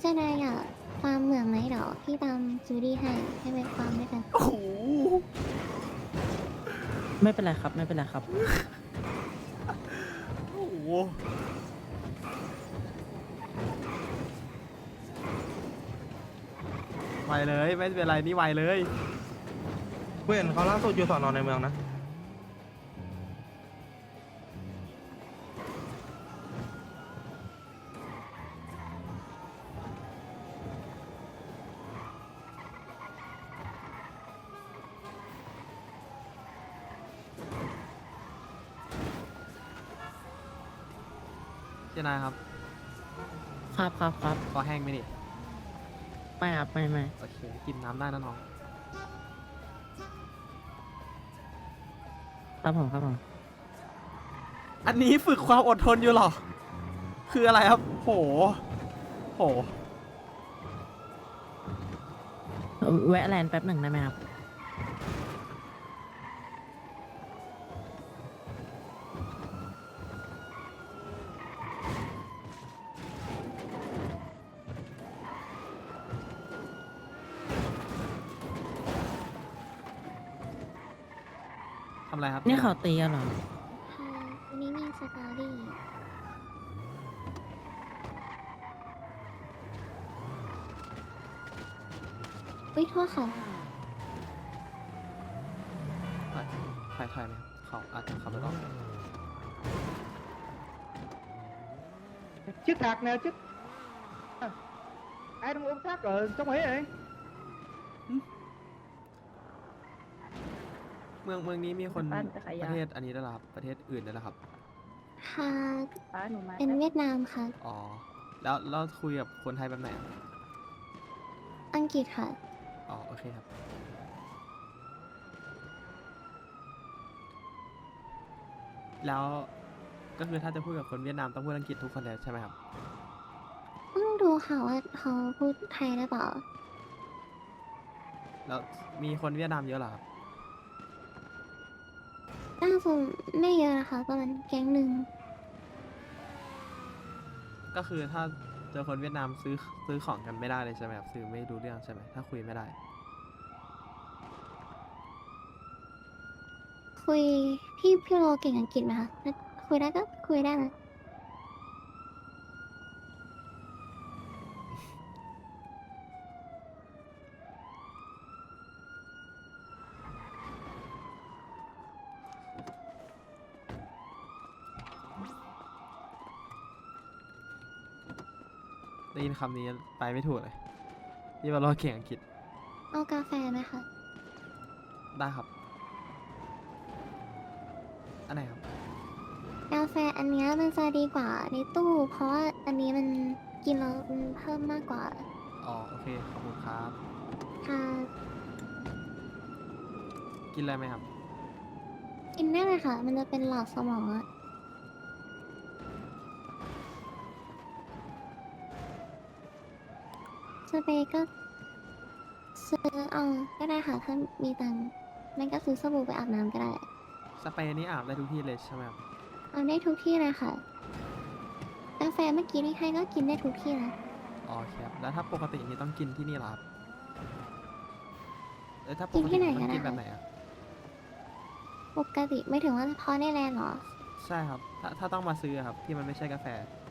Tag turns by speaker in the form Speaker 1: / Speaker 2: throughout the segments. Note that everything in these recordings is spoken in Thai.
Speaker 1: เจ้านายอยากฟาร์มเหมืองไหมเดี๋ยวพี่ตามจูดี้ให้ไปฟาร์มด้วยกัน
Speaker 2: โอ้โห
Speaker 3: ไม่เป็นไรครับไม่เป็นไรครับ
Speaker 2: โอ้โหไวเลยไม่เป็นไรนี่ไวเลย
Speaker 4: เพื่อนเขาล่าสุดอยู่สอนอในเมืองนะ
Speaker 2: เจ้านายครับ
Speaker 3: ครับครับครับ
Speaker 2: คอแห้งไหมนี่
Speaker 3: ไม่ครับไม่
Speaker 2: โอเคกินน้ำได้นะน้อง
Speaker 3: ครับผมครับผม
Speaker 2: อันนี้ฝึกความอดทนอยู่เหรอ คืออะไรครับ โห โห
Speaker 3: แวะแลนด์แป๊บหนึ่งได้ไหมครับ
Speaker 2: ทำอะไรครับ
Speaker 3: นี่เขาตีกันเหรอ
Speaker 1: ค่ะวันนี้มีสตอรี่อุ้ยโทษค่ะ
Speaker 2: ถ่ายไหมครับเขาอาจจะขับรถออก
Speaker 5: chiếc thạc nè chiếc ai đang ôm thác ở trong ấy vậy
Speaker 2: เมืองนี้มีคน
Speaker 6: บ้านจักร
Speaker 2: ป
Speaker 6: ยาน
Speaker 2: ระเทศอันนี้ด้วยเหรอครับ ประเทศอื่นด้วยเหรอครับ
Speaker 1: ค่ะ
Speaker 6: ป้าหนูมา
Speaker 1: เป็นเวียดนามค่ะ
Speaker 2: อ๋อ แล้วเราคุยกับคนไทยแบบไหนอะ
Speaker 1: อังกฤษค่ะ
Speaker 2: อ๋อ โอเคครับ แล้วก็คือถ้าจะพูดกับคนเวียดนามต้องพูดอังกฤษทุกคนเลยใช่ไหมครับ
Speaker 1: ต้องดูค่ะว่าเขาพูดไทยหรือเปล่า
Speaker 2: แล้วมีคนเวียดนามเยอะเหรอครับ
Speaker 1: น่าจะไม่เยอะนะคะประมาณแก๊งหนึ่ง
Speaker 2: ก็คือถ้าเจอคนเวียดนามซื้อของกันไม่ได้เลยใช่ไหมครับ ซื้อไม่รู้เรื่องใช่ไหมถ้าคุยไม่ได้
Speaker 1: คุยพี่โรเก่งอังกฤษไหมคะถ้าคุยได้ก็คุยได้นะ
Speaker 2: ได้ยินคำนี้ไปไม่ถูกเลยที่ว่าเราเก่งอังกฤษ
Speaker 1: เอากาแฟไหมคะ
Speaker 2: ได้ครับ อันไหนครับ
Speaker 1: กาแฟอันเนี้ยมันจะดีกว่าในตู้ เพราะว่าอันนี้มันกินแล้วมันเพิ่มมากกว่า
Speaker 2: อ๋อ โอเค ขอบคุณครับ
Speaker 1: ค่ะ
Speaker 2: กินอะไรไหมครับ
Speaker 1: กินได้เลยค่ะ มันจะเป็นหลอดสมองอะสเปรย์ก็ซื้อเอาก็ได้ค่ะ ถ้ามีตังค์ไม่ก็ซื้อสบู่ไปอาบน้ำก็ได้
Speaker 2: สเปรย์นี้อาบได้ทุกที่เลยใช่ไหมครับ
Speaker 1: เอาได้ทุกที่เลยค่ะ กาแฟเมื่อกี้ที่ให้ก็กินได้ทุกที่นะ
Speaker 2: อ๋อครับ แล้วถ้าปกตินี่ต้องกินที่นี่เหรอครับถ้าป
Speaker 1: กิน
Speaker 2: ก
Speaker 1: ที่
Speaker 2: ติ
Speaker 1: ไหน
Speaker 2: ต้
Speaker 1: ก็
Speaker 2: อง
Speaker 1: ได้
Speaker 2: กินแบบไหนอะ
Speaker 1: ปกติไม่ถึงว่าพอในแลนด์เหรอ
Speaker 2: ใช่ครับ ถ้าต้องมาซื้ออะครับ ที่มันไม่ใช่กาแฟ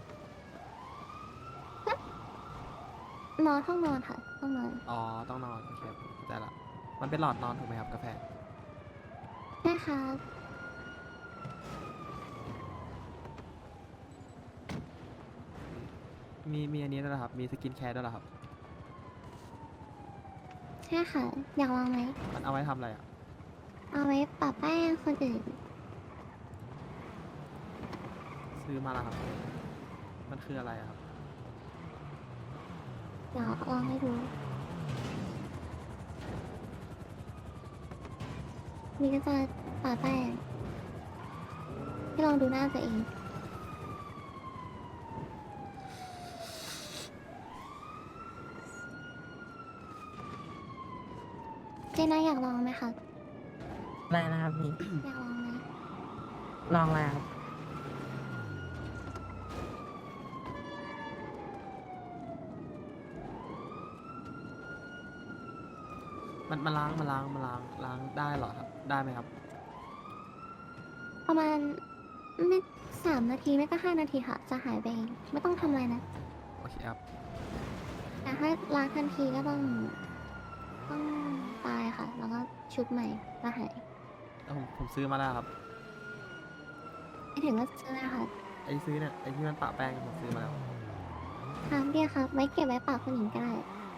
Speaker 1: นอนห้องนอนค่ะห้องนอน
Speaker 2: อ๋อ ต้องนอน โอเคครับเข้าใจละ มันเป็นหลอดนอนถูกไหมครับกาแฟ
Speaker 1: ได้ค่ะ
Speaker 2: มีอันนี้ด้วยเหรอครับ มีสกินแคร์ด้วยเหรอครับ
Speaker 1: ใช่ค่ะ อยากลองไหม
Speaker 2: มันเอาไว้ทำอะไรอะ
Speaker 1: เอาไว้ปรับแป้งคนอื่น
Speaker 2: ซื้อมาแล้วครับ มันคืออะไรอะครับ
Speaker 1: เดี๋ยวลองให้ดู นี่ก็จะปรับแป้งให้ลองดูหน้าตัวเอง เจน่าอยากลองไหมคะ
Speaker 3: อะไรนะครับพี่
Speaker 1: อยากลองไหม
Speaker 3: ลองแล้วครับ
Speaker 2: มันล้างได้เหรอครับ ได้ไหมครับ
Speaker 1: ประมาณไม่3 นาทีไม่ก็5 นาทีค่ะ จะหายไปเองไม่ต้องทำอะไรนะ
Speaker 2: โอเคครับ
Speaker 1: แต่ถ้าล้างทันทีก็ต้องตายค่ะ แล้วก็ชุบใหม่ก็หาย
Speaker 2: แล้วผมซื้อมาแล้วครับ
Speaker 1: ไม่ถึงก็ซื้อเลยค่ะ
Speaker 2: ไอ้ซื้อเนี่ยไอ้ที่มันปะแป้งผมซื้อมาแล้ว
Speaker 1: ครั้งเดียวครับไว้เก็บไว้ปากคนอื่นก็ได้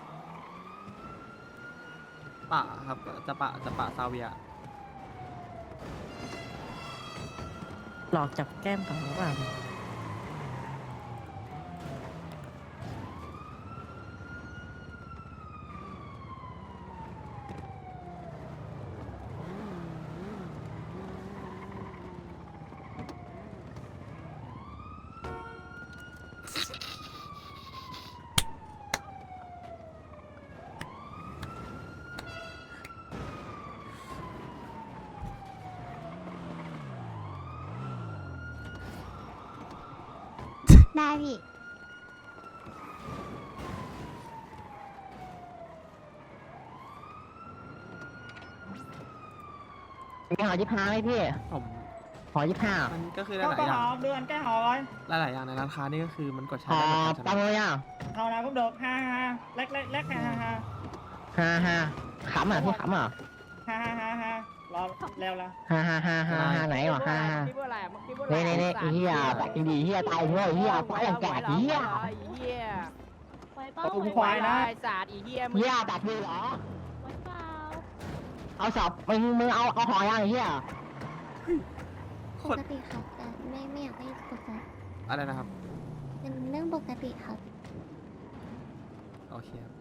Speaker 2: ปะครับ จะปะซาเวีย
Speaker 3: หลอกจับแก้มเขาหรือเปล่า
Speaker 1: ได้พี่
Speaker 3: มีหอ25ไหมพี่
Speaker 2: ผม
Speaker 3: หอ25
Speaker 2: มันก็คือห
Speaker 5: ก็
Speaker 2: ลายๆอย่าง
Speaker 5: หอมเดือนแก้หอร้อย
Speaker 2: หลายๆอย่างในร้านค้านี่ก็คือมันกดใช้
Speaker 3: หอ
Speaker 2: ได้เหมือนกันใช่
Speaker 3: ตาม
Speaker 2: ไหม
Speaker 3: เลยอ่ะ
Speaker 5: เท่านั้นก็เดือดฮ่าฮ่าเล็กฮ่าฮ่าฮ่า
Speaker 3: 55ขำอ่ะพี่ขำอ่ะ
Speaker 5: ฮ่าฮ่าฮ่ารอแล้วละ
Speaker 3: 55ไหนวะ55
Speaker 6: คิดว่าอะไรมึงคิดว่าอะไร
Speaker 3: นี่ไอ้เหี้ยแบบดีเหี้ยตายเหี้ยเหี้ยตายอย่างแก่เหี้ย
Speaker 6: เหี้ย
Speaker 1: ไว้เปล่า
Speaker 5: ผมควายนะ
Speaker 6: ไอ้ศาสตร์อีเหี้ยมึง
Speaker 3: เหี้ยแบบนี้เหรอ
Speaker 1: ไว้เปล่า
Speaker 3: เอาสอบมึงเอาหอยอย่างเหี้ย
Speaker 1: ปกติครับแต่ไม่อยากให้ตกใจ
Speaker 2: อะไรนะครับ
Speaker 1: เป็นเรื่องปกติครับ
Speaker 2: โอเคครับ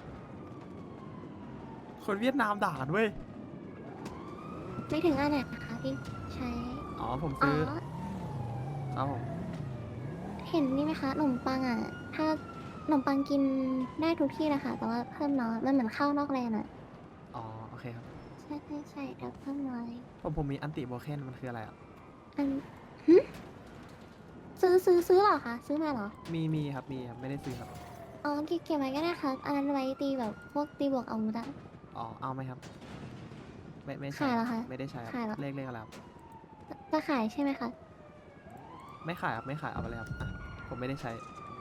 Speaker 2: คนเวียดนามด่ากันเว้ย
Speaker 1: ไม่ถึงอันไหนนะคะที่ใช้
Speaker 2: อ๋อ ผม
Speaker 1: อ๋อ
Speaker 2: ซื้อ ครับผม
Speaker 1: เห็นนี่ไหมคะขนมปังอ่ะ ถ้าขนมปังกินได้ทุกที่นะคะแต่ว่าเพิ่มน้อยมันเหมือนข้าวนอกแลนอ่ะ
Speaker 2: อ๋อ โอเคครับ
Speaker 1: ใช่แต่เพิ่มน้อย
Speaker 2: ผมมีอันติโบเคนมันคืออะไรอ่ะ
Speaker 1: อันหึซื้อเหรอคะซื้อมาเหรอ
Speaker 2: มีครับ ไม่ได้ซื้อครับ
Speaker 1: อ๋อเก็บไว้ก็ได้ครับอันนั้นไว้ตีแบบพวกตีบวกอาวุธอะ
Speaker 2: อ๋อ เอาไหมครับ ไม่ใช่
Speaker 1: ขายเหรอคะ
Speaker 2: ไม่ได้ใช้ครับ
Speaker 1: ขายเหรอ
Speaker 2: เลขอะไรครับ
Speaker 1: จะขายใช่ไหมคะ
Speaker 2: ไม่ขายครับ ไม่ขาย เอาไปเลยครับอ่ะผมไม่ได้ใช้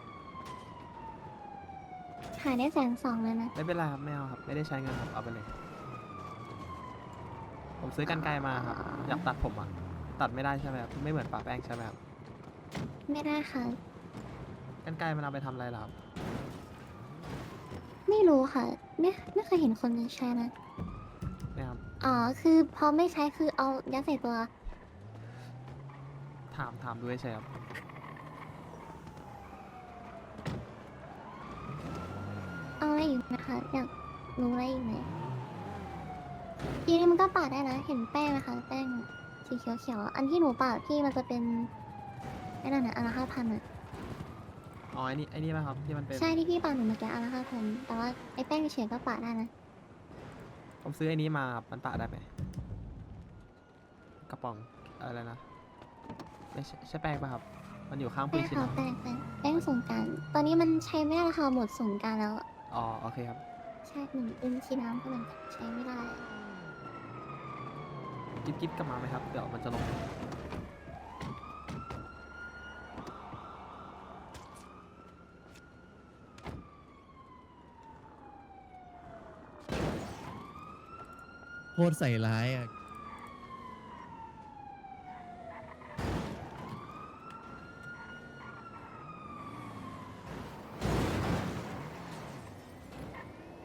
Speaker 1: ขายได้120,000เลยนะ
Speaker 2: ไม่เป็นไรครับ ไม่เอาครับ ไม่ได้ใช้เงินครับ เอาไปเลย ผมซื้อกันไกลมาครับ อยากตัดผมอ่ะ ตัดไม่ได้ใช่ไหมครับ ไม่เหมือนปะแป้งใช่ไหมครับ
Speaker 1: ไม่ได้ค่ะ
Speaker 2: กันไกลมันเอาไปทำอะไรล่ะครับ
Speaker 1: ไม่รู้ค่ะ ไม่เคยเห็นคนใช้นะ
Speaker 2: เนี่ยครับ
Speaker 1: อ๋อคือพอไม่ใช้คือเอายัดใส่ตัว
Speaker 2: ถามด้วยใช่ครับ
Speaker 1: เอาอะไรอีกไหมคะอยากรู้อะไรอีกไหมทีนี้มันก็ปาดได้นะ เห็นแป้งไหมคะแป้งสีเขียวๆอันที่หนูปาดที่มันจะเป็นไอ้นั่นน่ะอันละ5,000อ่ะ
Speaker 2: อ๋อ ไอ้นี่ป่ะครับ ที่มันเป็น
Speaker 1: ใช่ที่พี่ปาดหนูเมื่อกี้อันละ5,000แต่ว่าไอ้แป้งเฉยๆก็ปาดได้นะ
Speaker 2: ผมซื้อไอ้นี้มาครับมันปะได้ไหม กระป๋องอะไรนะ ไม่ใช่แป้งป่ะครับ มันอยู่ข้างปื
Speaker 1: แป้
Speaker 2: น
Speaker 1: ง
Speaker 2: ชิน
Speaker 1: ค่ะ
Speaker 2: นะ
Speaker 1: แป้งสงกรารตอนนี้มันใช้ไม่ได้แล้วค่ะหมดสงกรารแล้ว
Speaker 2: อ๋อ โอเคครับ
Speaker 1: ใช่หนึ่งปืนชีน้ำก็เหมือนกันใช้ไม่ได้
Speaker 2: กิ๊บกลับมาไหมครับ เดี๋ยวมันจะลง
Speaker 7: โคตรใส่ร้ายอ่ะ